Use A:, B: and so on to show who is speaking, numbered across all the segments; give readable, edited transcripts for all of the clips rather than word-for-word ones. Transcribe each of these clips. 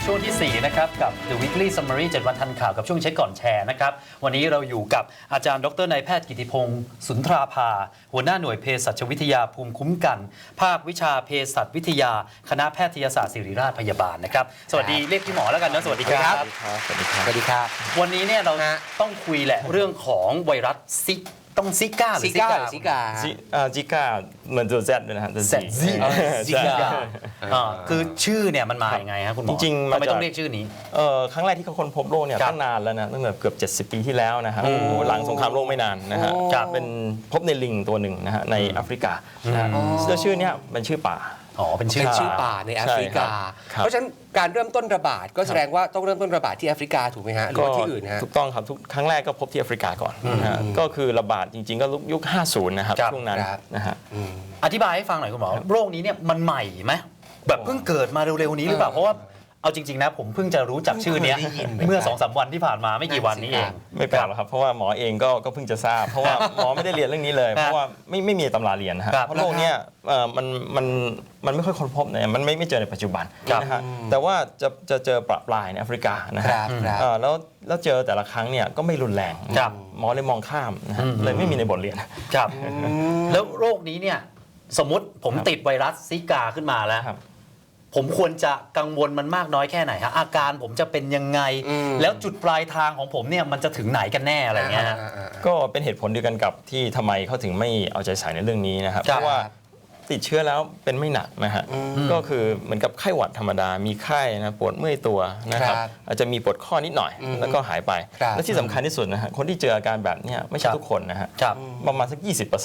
A: ช่วงที่4นะครับกับ The Weekly Summary 7 วันทันข่าวกับช่วงเช็คก่อนแชร์นะครับวันนี้เราอยู่กับอาจารย์ดรนายแพทย์กิติพงศ์สุนทราภาหัวหน้าหน่วยเภสัชวิทยาภูมิคุ้มกันภาควิชาเภสัชวิทยาคณะแพทยศาสตร์ศิริราชพยาบาลนะครับสวัสดีเรียกพี่หมอแล้วกันนะสวัสดีครับ
B: สวัสดีครับสวัสดีครับ
A: วันนี้เนี่ยเราต้องคุยแหละเรื่องของไวรัสต้องซิก้าหรือซิ
B: ก้าเหมือนตัว Z เลยนะฮะ
A: ซิก้าคือชื่อเนี่ยมันมาอย่างไงครับคุณหมอ
B: จริงๆ
A: ทำไมต้องเรียกชื่อนี้
B: ครั้งแรกที่เขาค้นพบโรคเนี่ยตั้งนานแล้วนะตั้งแต่เกือบ70 ปีที่แล้วนะฮะหลังสงครามโลกไม่นานนะฮะเป็นพบในลิงตัวหนึ่งนะฮะในแอฟริกาชื่อเนี้ยเป็นชื่อป่า
C: เป็นชื่อป่าในแอฟริกาเพราะฉะนั้นการเริ่มต้นระบาดก็แสดงว่าต้องเริ่มต้นระบาดที่แอฟริกาถูกไหมฮะหรือว่าที่อื่นฮะ
B: ถูกต้องครับครั้งแรกก็พบที่แอฟริกาก่อนนะฮะก็คือระบาดจริงๆก็ยุค50นะครับช่วงนั้นนะฮะ
A: อธิบายให้ฟังหน่อยคุณหมอโรคนี้เนี่ยมันใหม่ไหมแบบเพิ่งเกิดมาเร็วๆนี้หรือเปล่าเพราะว่าเอาจริงๆนะผมเพิ่งจะรู้จักชื่อนี้เมื่อ 2-3 วันที่ผ่านมาไม่กี่วันนี้เอง
B: ไม่แปลกหรอกครับเพราะว่าหมอเองก็เพิ่งจะทราบเพราะว่าหมอไม่ได้เรียนเรื่องนี้เลยเพราะว่าไม่มีตำราเรียนนะฮะเพราะโรคนี้มันไม่ค่อยค้นพบเนี่ยมันไม่เจอในปัจจุบันนะฮะแต่ว่าจะเจอปะปลายในแอฟริกานะฮะแล้วเจอแต่ละครั้งเนี่ยก็ไม่รุนแรงหมอเลยมองข้ามนะฮะเลยไม่มีในบทเรียน
A: ครับแล้วโรคนี้เนี่ยสมมติผมติดไวรัสซิกาขึ้นมาแล้วผมควรจะกังวลมันมากน้อยแค่ไหนฮะอาการผมจะเป็นยังไงแล้วจุดปลายทางของผมเนี่ยมันจะถึงไหนกันแน่อะไรเงี้ย
B: ก็เป็นเหตุผลเดียวกันกับที่ทำไมเขาถึงไม่เอาใจใส่ในเรื่องนี้นะครับเพราะว่าติดเชื้อแล้วเป็นไม่หนักนะฮะก็คือเหมือนกับไข้หวัดธรรมดามีไข้นะปวดเมื่อยตัวนะครับอาจจะมีปวดข้อนิดหน่อยแล้วก็หายไปและที่สำคัญที่สุดนะฮะคนที่เจออาการแบบนี้ไม่ใช่ทุกคนนะฮะประมาณสัก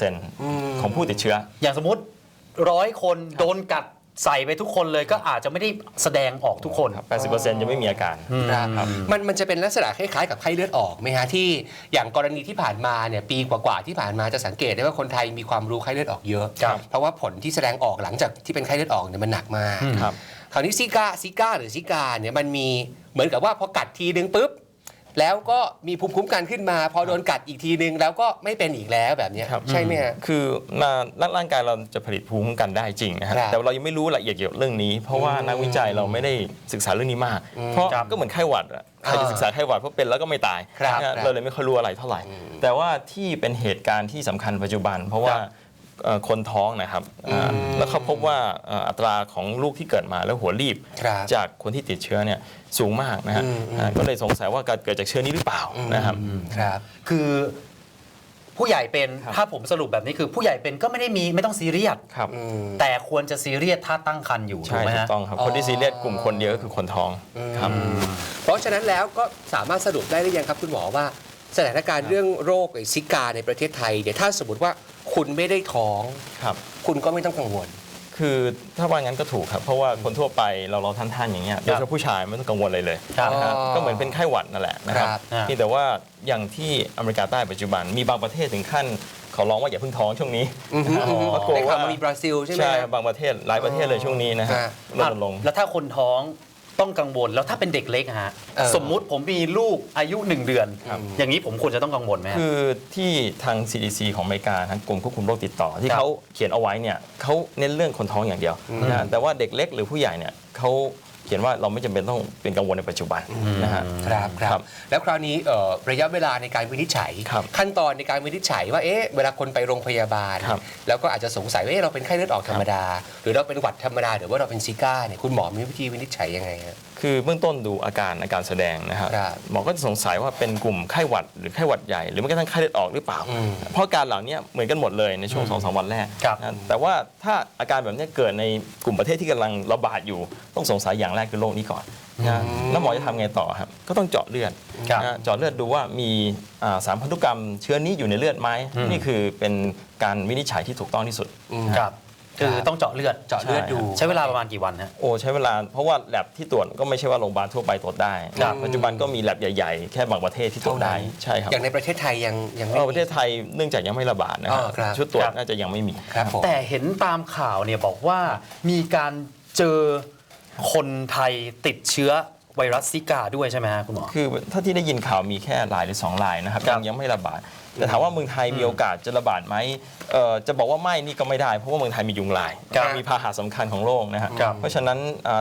B: 20% ของผู้ติดเชื้อ
A: อย่างสมมติ100 คนโดนกัดใส่ไปทุกคนเลยก็อาจจะไม่ได้แสดงออกทุกคน
B: 80% ยังไม่มีอาการ
C: มันจะเป็นลักษณะคล้ายๆกับไข้เลือดออกไหมฮะที่อย่างกรณีที่ผ่านมาเนี่ยปีกว่าๆที่ผ่านมาจะสังเกตได้ว่าคนไทยมีความรู้ไข้เลือดออกเยอะเพราะว่าผลที่แสดงออกหลังจากที่เป็นไข้เลือดออกเนี่ยมันหนักมากคราวนี้ซิก้าหรือซิกาเนี่ยมันมีเหมือนกับว่าพอกัดทีนึงปุ๊บแล้วก็มีภูมิคุ้มกันขึ้นมาพอโดนกัดอีกทีนึงแล้วก็ไม่เป็นอีกแล้วแบบนี้ใช่ไหมฮะ
B: คือร่างกายเราจะผลิตภูมิคุ้มกันได้จริงนะฮะแต่เรายังไม่รู้ละเอียดเกี่ยวกับเรื่องนี้เพราะว่านักวิจัยเราไม่ได้ศึกษาเรื่องนี้มากเพราะก็เหมือนไข้หวัดใครจะศึกษาไข้หวัดเพราะเป็นแล้วก็ไม่ตายเราเลยไม่ค่อยรู้อะไรเท่าไหร่แต่ว่าที่เป็นเหตุการณ์ที่สำคัญปัจจุบันเพราะว่าคนท้องนะครับแล้วเขาพบว่าอัตราของลูกที่เกิดมาแล้วหัวรีบจากคนที่ติดเชื้อเนี่ยสูงมากนะฮะก็เลยสงสัยว่าเกิดจากเชื้อนี้หรือเปล่านะครับ
A: คือผู้ใหญ่เป็นถ้าผมสรุปแบบนี้คือผู้ใหญ่เป็นก็ไม่ต้องซีเรียสแต่ควรจะซีเรียสถ้าตั้งครรภ์อยู่ถูกไหมฮะ
B: ถูกต้องครับคนที่ซีเรียสกลุ่มคนเดียวก็คือคนท้องครับ
C: เพราะฉะนั้นแล้วก็สามารถสรุปได้หรือยังครับคุณหมอว่าสถานการณ์เรื่องโรคซิกาในประเทศไทยเดี๋ยวถ้าสมมติว่าคุณไม่ได้ท้องคุณก็ไม่ต้องกังวล
B: คือถ้าว่างั้นก็ถูกครับเพราะว่าคนทั่วไปเราท่านอย่างเงี้ยโดยเฉพาะผู้ชายไม่ต้องกังวลอะไรเลยก็เหมือนเป็นไข้หวัดนั่นแหละนะครับนี่แต่ว่าอย่างที่อเมริกาใต้ปัจจุบันมีบางประเทศถึงขั้นเขาร้องว่าอย่าเพิ่งท้องช่วงนี้
C: ได้ข่าวมีบราซิลใช่ไหม
B: ใช่บางประเทศหลายประเทศเลยช่วงนี้นะฮะลดลง
A: แล้วถ้าคนท้องต้องกังวลแล้วถ้าเป็นเด็กเล็กฮะสมมุติผมมีลูกอายุ1 เดือนอย่างนี้ผมควรจะต้องกังวลไหม
B: คือที่ทาง CDC ของอเมริกาทางกรมควบคุมโรคติดต่อที่เขาเขียนเอาไว้เนี่ยเขาเน้นเรื่องคนท้องอย่างเดียวนะแต่ว่าเด็กเล็กหรือผู้ใหญ่เนี่ยเขาเขียนว่าเราไม่จำเป็นต้องเป็นกังวลในปัจจุบันนะฮะ
C: ครับแล้วคราวนี้ระยะเวลาในการวินิจฉัยขั้นตอนในการวินิจฉัยว่าเวลาคนไปโรงพยาบาลแล้วก็อาจจะสงสัยว่าเราเป็นไข้เลือดออกธรรมดาหรือเราเป็นหวัดธรรมดาหรือว่าเราเป็นซิก้าเนี่ยคุณหมอมีวิธีวินิจฉัยยังไงฮะ
B: คือเบื้องต้นดูอาการแสดงนะครับหมอก็จะสงสัยว่าเป็นกลุ่มไข้หวัดหรือไข้หวัดใหญ่หรือแม้กระทั่งไข้เลือดออกหรือเปล่าเพราะการเหล่านี้เหมือนกันหมดเลยในช่วง 2-3 วันแรกแต่ว่าถ้าอาการแบบนี้เกิดในกลุ่มประเทศที่กำลังระบาดอยู่ต้องสงสัยอย่างแรกคือโรคนี้ก่อนแล้วหมอจะทำไงต่อครับก็ต้องเจาะเลือดเจาะเลือดดูว่ามีสารพันธุกรรมเชื้อนี้อยู่ในเลือดไหมนี่คือเป็นการวินิจฉัยที่ถูกต้องที่สุด
A: คือต้องเจาะเลือดดูใช้เวลาประมาณกี่วันฮะ
B: ใช้เวลาเพราะว่าแลบที่ตรวจก็ไม่ใช่ว่าโรงพยาบาลทั่วไปตรวจได้ปัจจุบันก็มีแลบใหญ่ๆแค่บางประเทศที่ตรวจได้ใช่ครับ
C: อย่างในประเทศไทยยังไม่
B: ประเทศไทยเนื่องจากยังไม่ระบาดนะครับชุดตรวจน่าจะยังไม่มี
A: แต่เห็นตามข่าวเนี่ยบอกว่ามีการเจอคนไทยติดเชื้อไวรัสซิกาด้วยใช่ไหมฮะคุณหมอ
B: คือถ้าที่ได้ยินข่าวมีแค่รายหรือ2 รายนะครับยังไม่ระบาดแต่ถามว่าเมืองไทยมีโอกาสจะระบาดไหมจะบอกว่าไม่นี่ก็ไม่ได้เพราะว่าเมืองไทยมียุงลายมีพาหะสำคัญของโลกนะครับเพราะฉะนั้นแต่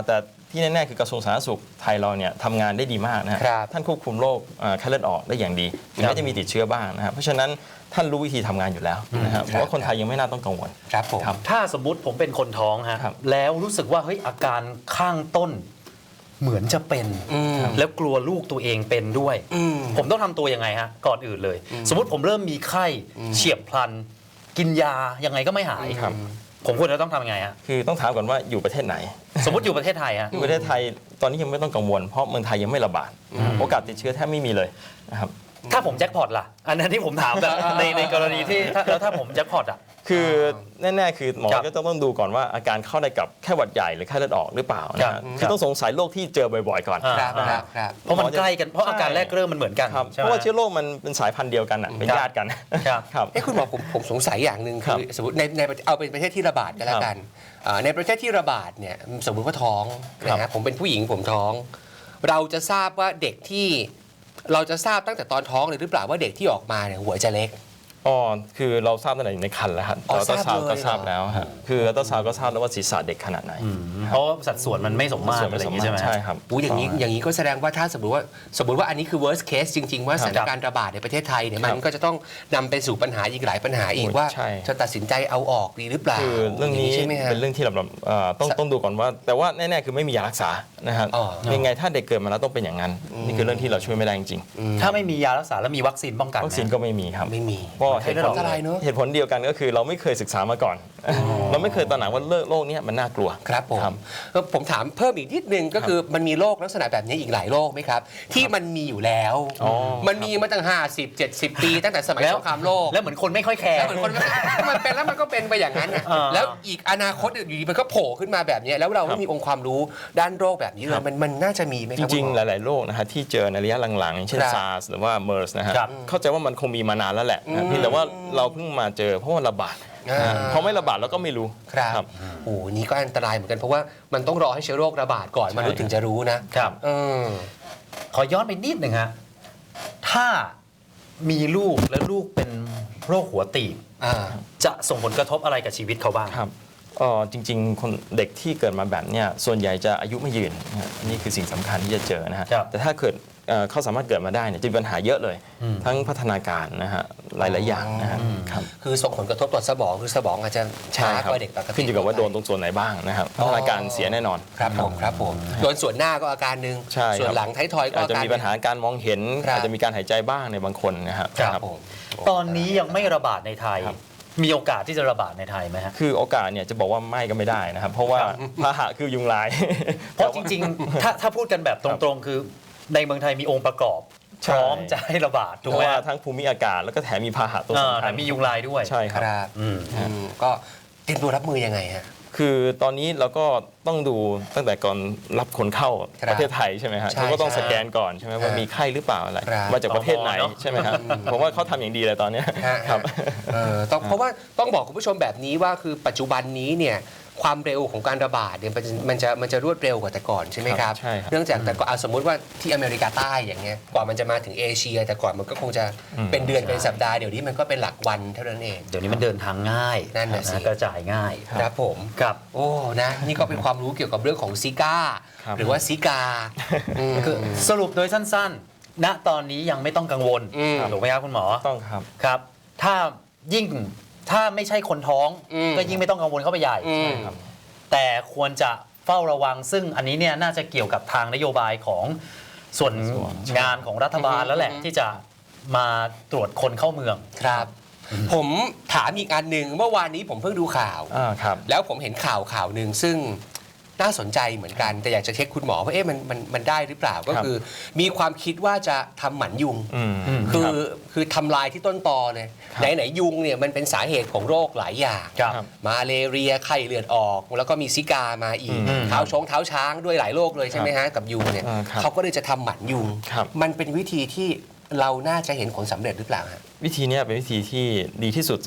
B: ที่แน่ๆคือกระทรวงสาธารณสุขไทยเราเนี่ยทำงานได้ดีมากนะฮะ
C: ครับ
B: ท่านควบคุมโรคไข้เลือดออกได้อย่างดีถึงแม้จะมีติดเชื้อบ้างนะครับเพราะฉะนั้นท่านรู้วิธีทำงานอยู่แล้วนะครับผมว่าคนไทยยังไม่น่าต้องกังวล
C: ครับผม
B: ครับ
A: ถ้าสมมุติผมเป็นคนท้องฮะ
B: ครับ
A: แล้วรู้สึกว่าเฮ้ยอาการข้างต้นเหมือนจะเป็น แล้วกลัวลูกตัวเองเป็นด้วย ผมต้องทำตัวยังไงฮะก่อนอื่นเลย สมมติผมเริ่มมีไข้เฉียบพลัน กินยายังไงก็ไม่หาย
B: ครับ
A: ผมควรจะต้องทำยังไงฮะ
B: คือต้องถามก่อนว่าอยู่ประเทศไหน
A: สมมติอยู่ประเทศไทยฮะ
B: ประเทศไทยตอนนี้ยังไม่ต้องกังวลเพราะเมืองไทยยังไม่ระบาดโอกาสติดเชื้อแทบไม่มีเลยนะครับ
A: ถ้าผมแจ็คพอตล่ะ อันนั้นที่ผมถามแบบในกรณีที่แล้วถ้าผมแจ็คพอตอ่ะ
B: คือแน่ๆคือหมอ
A: ครับ
B: ก็ต้องดูก่อนว่าอาการเข้าได้กับแค่หวัดใหญ่หรือไข้เลือดออกหรือเปล่านะ
A: ครั
B: ฮะ
A: บ
B: คือต้องสงสัยโรคที่เจอบ่อยๆก่อน
C: ครับ
A: อ่า
C: ครับครับ
A: เพราะมันใกล้กันเพราะอาการแรกเริ่มมันเหมือนกัน
B: ครับ
A: ใช่ไหม
B: เพราะว่าเชื้อโรคมันเป็นสายพันธุ์เดียวกันอะเป็นญาติกัน
A: ครับ
B: ครับ
C: คุณหมอผมสงสัยอย่างหนึ่ง
B: ครั
C: คือบ สมมติในเอาเป็นประเทศที่ระบาดก็แล้วกันในประเทศที่ระบาดเนี่ยสมมุติว่าท้องนะฮะผมเป็นผู้หญิงผมท้อง เราจะทราบว่าเด็กที่เราจะทราบตั้งแต่ตอนท้องเลยหรือเปล่าว่าเด็กที่ออกมาเนี่ยหัวจะเล็ก
B: อ๋อคือเราทราบตั้งแต่อยู่ในครรภ์แล้วครับ
C: อ๋อ
B: อัลตราซาวด์
C: ทราบเลย
B: ก็ทราบแล้วฮะคืออัลตราซาวด์ก็ทราบแล้วว่าศีรษะเด็กขนาดไหน
A: เพราะว่าสัดส่วนมันไม่สมมาตรอะไรอย่างงี้ใช่ไหม
B: ใช่ครับ
C: อย่างนี้ก็แสดงว่าถ้าสมมติว่าอันนี้คือ worst case จริง ๆ ว่าสถานการณ์ระบาดในประเทศไทยเนี่ยมันก็จะต้องนำไปสู่ปัญหาอีกหลายปัญหาอีกว่า
B: ใช่
C: จะตัดสินใจเอาออกดีหรือเปล่า
B: คือเรื่องนี้
C: ใช่ไหมฮะ
B: เป็นเรื่องที่เราต้องดูก่อนว่า แต่ว่าแน่ๆคือไม่มียารักษานะครับ
C: อ๋อ
B: ยังไงถ้าเด็กเกิดมาแล้วต้องเป็นอย่างนั้นนี่คือเรื่องที่เราช่วยไม่ได้จริง
A: ถ้าไม่มียารักษาแล้วมีวัคซีนป้องกัน
B: ๆ
A: ไหม
B: วัคซีนก็ไม่มีครับ
C: ไม่มี
B: เพราะ
A: ไข้เลือดออก
C: อันตรายเนอะ
B: เหตุผลเดียวกันก็คือเราไม่เคยศึกษามาก่อน เราไม่เคยตระหนักว่าโรคเนี้ยมันน่ากลัว
C: ครับผม
B: ครับ
C: ผมถามเพิ่มอีกนิดนึงก็คือมันมีโรคลักษณะแบบนี้อีกหลายโรคไหมครับ ที่มันมีอยู่แล้ว
B: อ๋อ
C: มันมีมาตั้ง50-70 ปีตั้งแต่สมัย
A: แล้ว
C: สงครามโลก
A: แล้วเหมือนคนไม่ค่อยแคร์
C: แล้วเหมือนคนมันเป็นแล้วมันก็เป็นไปอย่างนั้นน่ะ
A: อ่า
C: แล้วอีกอนาคตอยู่ดีมันก็โผล่ขึ้นมาแบบนี้แล้วเราไม่มีองค์ความรู้ด้านโรคแบบนี้เลยมันน่าจะมีไหมค
B: จ
C: รับ
B: ริง
C: คุณ
B: ๆ
C: ห
B: ห
C: มอ
B: ลาย ๆ โรคนะฮะที่เจอในระยะหลังๆอย่างเช่น
C: ครับ
B: SARS หรือว่า MERS นะฮะ
A: ครับ
B: เข้าใจว่ามันคงมีมานานแล้วแหละนะเพียงแต่ว่าเราเพิ่งมาเจอเพราะว่าระบาด
C: อ่า
B: พอไม่ระบาดเราก็ไม่รู้
C: ครับโอ้โหนี่ก็อันตรายเหมือนกันเพราะว่ามันต้องรอให้เชื้อโรคระบาดก่อน
B: ใช่
C: มนุษย์ถึงจะรู้นะครับ เออ
A: ขอย้อนไปนิดหนึ่งฮะ ถ้ามีลูกแล้วลูกเป็นโรคหัวตีบ
C: อ่า
A: จะส่งผลกระทบอะไรกับชีวิตเขาบ้าง
B: ครับจริงๆคนเด็กที่เกิดมาแบบเนี้ยส่วนใหญ่จะอายุไม่ยืนนะฮะนี่คือสิ่งสำคัญที่จะเจอนะฮะ
A: ครับ
B: แต่ถ้าเกิดเขาสามารถเกิดมาได้เนี่ยจะมีปัญหาเยอะเลย ทั้งพัฒนาการนะฮะหลาย ๆ อย่างนะฮะครับ
C: คือส่งผลกระทบต่อสมองคือสมองอาจจะช้า
B: ใช่ครับ
C: กว่าเด็กปกติ
B: ขึ้นอยู่กับว่าโดนตรงส่วนไหนบ้างนะครับพัฒนาการเสียแน่นอน
C: ครับผมโดนส่วนหน้าก็อาการหนึ่ง
B: ใช่ครับ
C: ส่วนหลังท้ายทอยก็
B: อาจ
C: อา
B: จะ
C: การ
B: มีปัญหาการมองเห็น
C: ครับ
B: อาจจะมีการหายใจบ้างในบางคนนะครับ
C: ครับผม
A: ตอนนี้ยังไม่ระบาดในไทย
B: ครับ
A: มีโอกาสที่จะระบาดในไทยไหมฮะ
B: คือโอกาสเนี่ยจะบอกว่าไม่ก็ไม่ได้นะครับ เพราะว่าพาหะคือยุงลาย
A: เพราะจริงๆ ถ้าพูดกันแบบตรงๆ คือในเมืองไทยมีองค์ประกอบ
B: ใช่
A: พร้อมจะให้ระบาด
B: เพ
A: ถูก
B: ราะ
A: ไหม
B: ว่า
A: ฮะ
B: ทั้งภูมิอากาศแล้วก็แถมมีพาหะตัวสำคั
A: แต่
B: ญ
A: มียุงลายด้วย
B: ใช่ค
C: ครับ รับ
A: อืม
C: ก็เตรียมตัวรับมือยังไงฮะ
B: คือตอนนี้เราก็ต้องดูตั้งแต่ก่อนรับคนเข้า
C: ครับ
B: ประเทศไทยใช่ไหมฮะ
C: ใช่
B: เขาก็ต้อง
C: ใช่
B: สแกนก่อนใช่ไหมว่ามีไข้หรือเปล่าอะไร
C: ครับ
B: มาจากประเทศไหน
A: ตมเนอะ
B: ใช่ไหมครับผมว่าเขาทำอย่างดีเลยตอนเนี้ย
C: ฮะ
B: ครับ
C: ต้องเพราะว่าต้องบอกคุณผู้ชมแบบนี้ว่าคือปัจจุบันนี้เนี่ยความเร็วของการระบาดเนี่ยมันจะรวดเร็วกว่าแต่ก่อนใช่ไหมครับ
B: ใช่ครับ
C: เนื่องจากแต่ก่อนสมมุติว่าที่อเมริกาใต้อย่างเงี้ยกว่ามันจะมาถึงเอเชีย แต่ก่อนมันก็คงจะเป็นเดือนเป็นสัปดาห์เดี๋ยวนี้มันก็เป็นหลักวันเท่านั้นเอง
A: เดี๋ยวนี้มันเดินทางง่าย
C: นั่นน่ะสิ
A: กระจายง่าย
C: ครับผม
A: ครับ
C: โอ้นะนี่ก็เป็นความรู้เกี่ยวกับเรื่องของซิก้า
B: ครับ
C: หรือว่าซิกา
A: คือสรุปโดยสั้นๆ ณ ตอนนี้ยังไม่ต้องกังวล
C: อืม
A: ถูกไหมครับคุณหมอ
B: ต้องครับ
A: ครับ ถ้าไม่ใช่คนท้อง ก็ยิ่งไม่ต้องกังวลเข้าไปใหญ่
C: อืม
A: แต่ควรจะเฝ้าระวัง ซึ่งอันนี้เนี่ยน่าจะเกี่ยวกับทางนโยบายของส่วนงานของรัฐบาลแล้วแหละ ที่จะมาตรวจคนเข้าเมือง
C: ครับ ผมถามอีกอันหนึ่งเมื่อวานนี้ผมเพิ่งดูข่าว
B: ครับ
C: แล้วผมเห็นข่าวหนึ่งซึ่งน่าสนใจเหมือนกัน แต่อยากจะเช็คคุณหมอว่ามันได้หรือเปล่าก็คือ มีความคิดว่าจะทำหมันยุง คือทำลายที่ต้นตอเลย
B: ครับ
C: ไหนยุงเนี่ยมันเป็นสาเหตุของโรคหลายอย่าง
A: ครับ
C: มาเลเรียไข้เลือดออก แล้วก็มีซิกามาอีก
A: อืม
C: เท้าช้างด้วยหลายโรคเลยใช่ไหมฮะกับยุงเนี่ย
B: ครับ
C: เขาก็เลยจะทำหมันยุง
B: ครับ
C: มันเป็นวิธีที่เราน่าจะเห็นผลสำเร็จหรือเปล่าฮะ
B: วิธีเนี้ยเป็นวิธีที่ดีที่สุดสำหรับ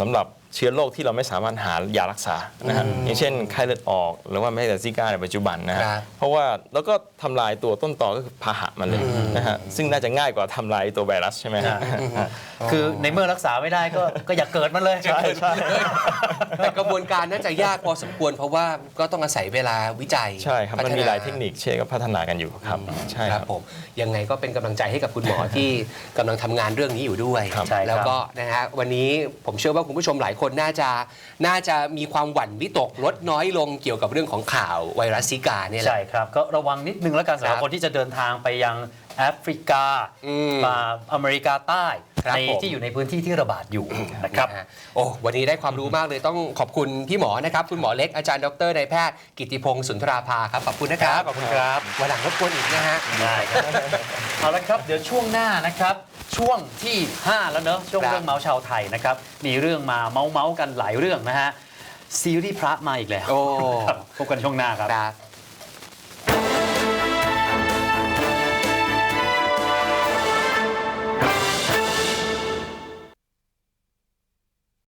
B: เชื้อโรคที่เราไม่สามารถหายารักษานะฮะอย่างเช่นไข้เลือดออกหรือว่าแม้แต่ซิก้าในปัจจุบันนะฮะ
C: ครับ
B: เพราะว่าแล้วก็ทำลายตัวต้นตอก็คือพาหะมันเลยนะฮะซึ่งน่าจะง่ายกว่าทำลายตัวไวรัสใช่ไหมฮะ
A: คือในเมื่อรักษาไม่ได้ก็อย่าเกิดมันเลย
B: ใช่ใช่
C: แต่กระบวนการน่าจะยากพอสมควรเพราะว่าก็ต้องอาศัยเวลาวิจัย
B: ใช่ครับมันมีหลายเทคนิคเช่นก็พัฒนากันอยู่ครับใช่
C: ค
B: ค
C: รั
B: รั
C: บบ ผมยังไงก็เป็นกำลังใจให้กับคุณหมอ ที่กำลังทำงานเรื่องนี้อยู่ด้วย
B: ครับ
A: ใช่ครับ
C: แล้วก็นะฮะวันนี้ผมเชื่อว่าคุณผู้ชมหลายคนน่าจะมีความหวั่นวิตกลดน้อยลงเกี่ยวกับเรื่องของข่าวไวรัสซิกาเนี่ยแหละ
A: ใช่ครับ ก็ระวังนิดนึงแล้วกันสำหรับ
C: ครับ
A: คนที่จะเดินทางไปยังแอฟริกา มาอเมริกาใต้
C: ครับ
A: ใน
C: ผม
A: ที่อยู่ในพื้นที่ที่ระบาดอยู่นะครับ
C: นะฮะโอ้วันนี้ได้ความรู้มากเลยต้องขอบคุณพี่หมอนะครับคุณหมอเล็กอาจารย์ดรนายแพทย์กิติพงศ์สุนทราภาครับขอบคุณนะครับ
A: ขอบคุณครับ
C: วันหลังรบกวนอีกนะฮะ
A: ได้ครับเอาละครับ เดี๋ยวช่วงหน้านะครับ ช่วงที่ 5 แล้วเนอะช่วง
C: ครับ
A: เรื่องเมาส์ชาวไทยนะครับ มีเรื่องมาเมาส์กันหลายเรื่องนะฮะ ซีรีส์พระมาอีกแล้ว
C: โอ้
A: ครับพบกันช่วงหน้าครับ
C: ครับ